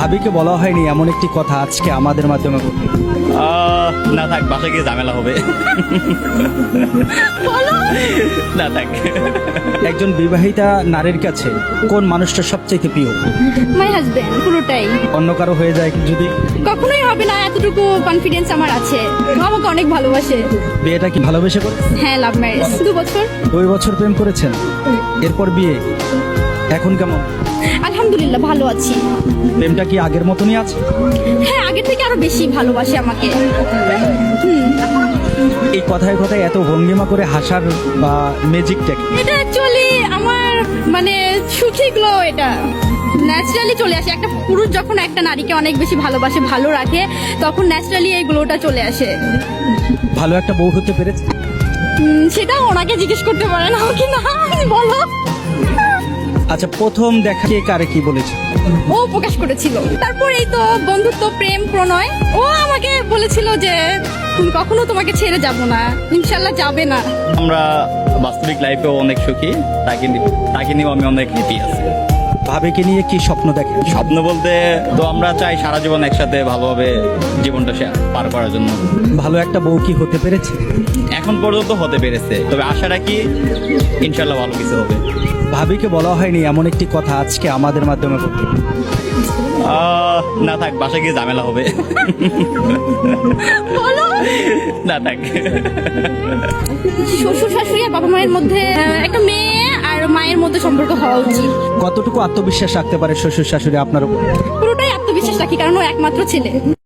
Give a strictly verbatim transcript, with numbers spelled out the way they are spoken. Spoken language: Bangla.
ভাবিকে বলা হয়নি এমন একটি কথা আজকে আমাদের মাধ্যমে বলবে? আহ, না থাক, বাসায় গিয়ে ঝামেলা হবে। না থাক। একজন বিবাহিতা নারীর কাছে কোন মানুষটা সবচেয়ে প্রিয়? মাই হাজবেন্ড, পুরোটাই। অন্য কারো হয়ে যায় যদি? কখনোই হবে না, এতটুকু কনফিডেন্স আমার আছে। ও আমাকে অনেক ভালোবাসে। বিয়েটা কি ভালোবেসে করে? হ্যাঁ, লাভ ম্যারেজ, দু বছর। দুই বছর প্রেম করেছেন, এরপর বিয়ে। এখন কেমন? আলহামদুলিল্লাহ, ভালো আছি। প্রেমটা কি আগের মতনই আছে? হ্যাঁ, আগের থেকে আরো বেশি ভালোবাসে আমাকে। এই কথায় কথায় এত ভঙ্গিমা করে হাসার বা ম্যাজিকটা কি? এটা অ্যাকচুয়ালি আমার মানে সুখী গ্লো, এটা ন্যাচারালি চলে আসে। একটা পুরুষ যখন একটা নারীকে অনেক বেশি ভালোবাসে, ভালো রাখে, তখন ন্যাচারালি এই গ্লোটা চলে আসে। ভালো একটা বউ হতে পেরেছে? উম, সেটা ওনাকে জিজ্ঞেস করতে পারেন, আমাকে না। বলো। আচ্ছা, প্রথম দেখা কে কারে কি বলেছে? ও প্রকাশ করেছিল। তারপর এই তো বন্ধুত্ব, প্রেম, প্রণয়। ও আমাকে বলেছিল যে তুমি কখনো তোমাকে ছেড়ে যাব না, ইনশাল্লাহ যাবে না। আমরা বাস্তবিক লাইফেও অনেক সুখী, তাকে নি- তাকে নিয়েও আমি অনেক হ্যাপি আছি। ভাবিকে নিয়ে কি স্বপ্ন দেখেন? স্বপ্ন বলতে তো আমরা চাই সারা জীবন একসাথে ভালোভাবে জীবনটা সে- পার করার জন্য। ভালো একটা বউ কি হতে পেরেছে? এখন পর্যন্ত হতে পেরেছে, তবে আশা রাখি ইনশাল্লাহ ভালো কিছু হবে। ভাবিকে বলা হয়নি এমন একটি কথা আজকে আমাদের মাধ্যমে বলবে? আহ, না থাক, বাসায় গিয়ে ঝামেলা হবে। বলো। না থাক। শ্বশুর শাশুড়ি আর বাবা মায়ের মধ্যে আহ, একটা মেয়ে আর মায়ের মধ্যে সম্পর্ক হওয়া উচিত। কতটুকু আত্মবিশ্বাস রাখতে পারে শ্বশুর শাশুড়ি আপনার উপর? পুরোটাই আত্মবিশ্বাস রাখি, কারণ ও একমাত্র ছেলে।